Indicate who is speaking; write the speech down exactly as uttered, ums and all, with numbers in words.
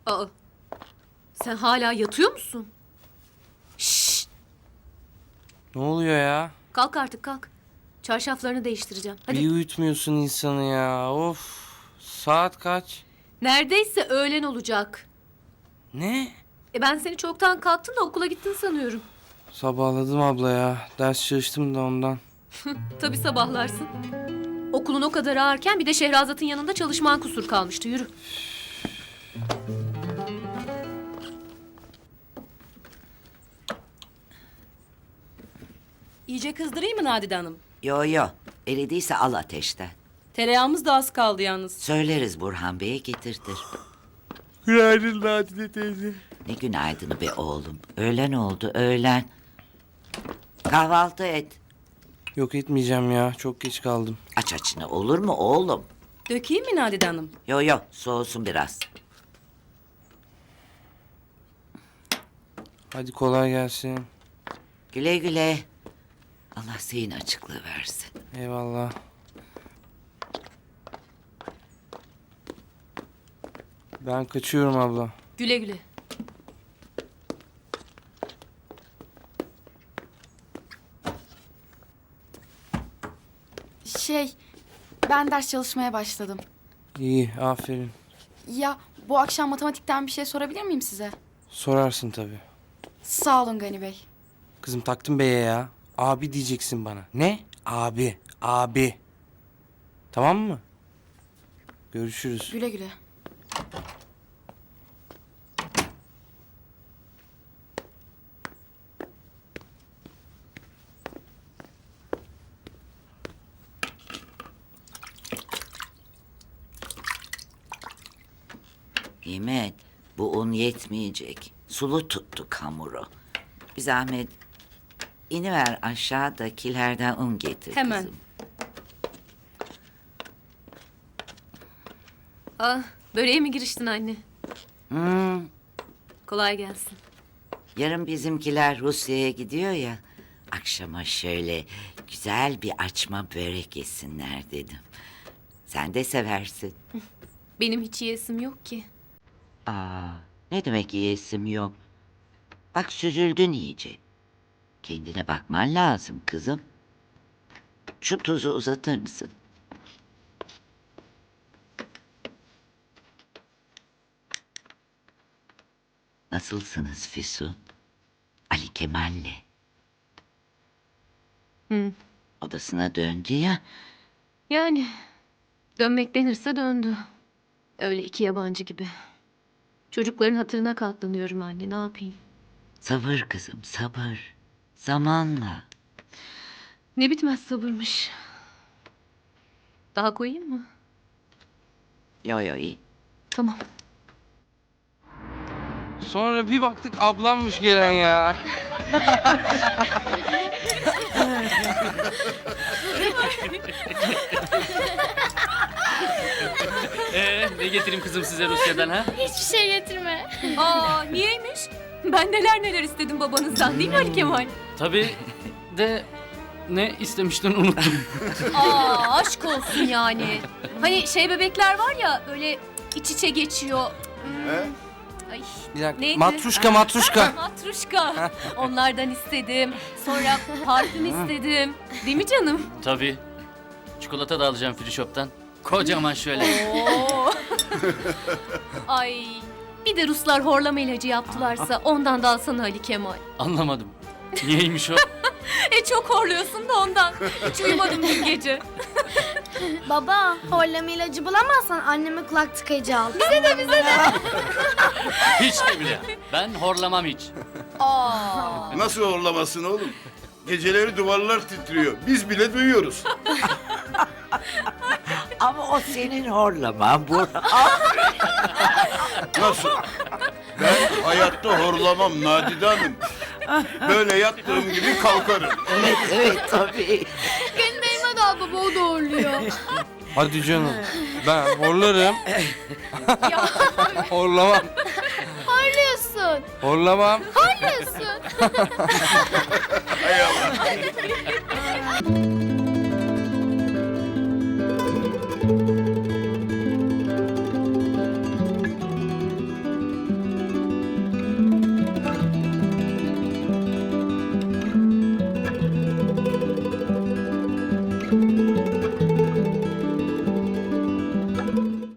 Speaker 1: Aa, sen hala yatıyor musun? Şşş,
Speaker 2: Ne oluyor ya?
Speaker 1: kalk artık kalk. Çarşaflarını değiştireceğim. Hadi.
Speaker 2: Bir uyutmuyorsun insanı ya. Of. Saat kaç?
Speaker 1: Neredeyse öğlen olacak.
Speaker 2: Ne?
Speaker 1: E ben seni çoktan kalktın da okula gittin sanıyorum.
Speaker 2: Sabahladım abla ya. Ders çalıştım da ondan.
Speaker 1: Tabii sabahlarsın. Okulun o kadar ağırken bir de Şehrazat'ın yanında çalışman kusur kalmıştı. Yürü.
Speaker 3: İyice kızdırayım mı Nadide Hanım?
Speaker 4: Yo yo, eridiyse al ateşten.
Speaker 3: Tereyağımız da az kaldı yalnız.
Speaker 4: Söyleriz Burhan Bey'e getirtir.
Speaker 2: Günaydın Nadide teyze.
Speaker 4: Ne günaydını be oğlum. Öğlen oldu, öğlen. Kahvaltı et.
Speaker 2: Yok etmeyeceğim ya. Çok geç kaldım.
Speaker 4: Aç açını olur mu oğlum?
Speaker 3: Dökeyim mi Nadide Hanım?
Speaker 4: Yo yo, soğusun biraz.
Speaker 2: Hadi kolay gelsin.
Speaker 4: Güle güle. Allah zihin açıklığı versin.
Speaker 2: Eyvallah. Ben kaçıyorum abla.
Speaker 1: Güle güle.
Speaker 5: Şey, ben ders çalışmaya başladım.
Speaker 2: İyi, aferin.
Speaker 5: Ya bu akşam matematikten bir şey sorabilir miyim size?
Speaker 2: Sorarsın tabii.
Speaker 5: Sağ olun Gani Bey.
Speaker 2: Kızım taktın beye ya. Abi diyeceksin bana. Ne? Abi. Abi. Tamam mı? Görüşürüz.
Speaker 5: Güle güle.
Speaker 4: Nimet, bu un yetmeyecek. Sulu tuttuk hamuru. Bir zahmet iniver aşağıdakilerden un getir
Speaker 3: Hemen.
Speaker 4: kızım.
Speaker 1: Ah, böreğe mi giriştin anne?
Speaker 4: Hmm,
Speaker 1: Kolay gelsin.
Speaker 4: yarın bizimkiler Rusya'ya gidiyor ya. Akşama şöyle güzel bir açma börek yesinler dedim. Sen de seversin.
Speaker 1: Benim hiç yiyesim yok ki.
Speaker 4: Aa, ne demek yiyesim yok. Bak süzüldün iyice. Kendine bakman lazım kızım. Şu tuzu uzatır mısın? Nasılsınız Füsun? Ali Kemal'le.
Speaker 1: Hı.
Speaker 4: Odasına döndü ya.
Speaker 1: Yani dönmek denirse döndü. Öyle iki yabancı gibi. Çocukların hatırına katlanıyorum anne, ne yapayım?
Speaker 4: Sabır kızım, sabır. Zamanla.
Speaker 1: Ne bitmez sabırmış. Daha koyayım mı?
Speaker 4: Yo yo iyi.
Speaker 1: Tamam.
Speaker 2: Sonra bir baktık ablammış gelen ya.
Speaker 6: Ee, ne getireyim kızım size Rusya'dan ha?
Speaker 7: Hiçbir şey getirme.
Speaker 1: Aa, niyeymiş? Ben neler neler istedim babanızdan, değil mi Ali Kemal?
Speaker 6: Tabii de ne istemiştin unuttum.
Speaker 1: Aa, aşk olsun yani. Hani şey bebekler var ya, böyle iç içe geçiyor. Hmm. Ay,
Speaker 2: Bir dakika.
Speaker 1: neydi?
Speaker 2: Matruşka matruşka.
Speaker 1: Matruşka. Onlardan istedim. Sonra parfüm istedim. Değil mi canım?
Speaker 6: Tabii. Çikolata da alacağım free shop'tan. Kocaman şöyle.
Speaker 1: Oo. Ay. Bir de Ruslar horlama ilacı yaptılarsa ondan da alsana Ali Kemal.
Speaker 6: Anlamadım. Niyeymiş o?
Speaker 1: E çok horluyorsun da ondan. Hiç uyumadım dün gece.
Speaker 7: Baba, horlama ilacı bulamazsan anneme kulak tıkayıcı al.
Speaker 6: Hiç de bile. Ben horlamam hiç.
Speaker 1: Aa.
Speaker 8: Nasıl horlamasın oğlum? Geceleri duvarlar titriyor. Biz bile duyuyoruz.
Speaker 4: Ama o senin horlaman Burhan.
Speaker 8: Nasıl? Ben hayatta horlamam Nadide Hanım. Böyle yattığım gibi kalkarım.
Speaker 4: Evet evet tabii.
Speaker 7: Benim Mehmet al baba, o da horluyor.
Speaker 2: Hadi canım. Ben horlarım. Horlamam.
Speaker 7: Horluyorsun.
Speaker 2: Horlamam.
Speaker 7: Horluyorsun.
Speaker 8: Hay Allah.
Speaker 2: Hadi.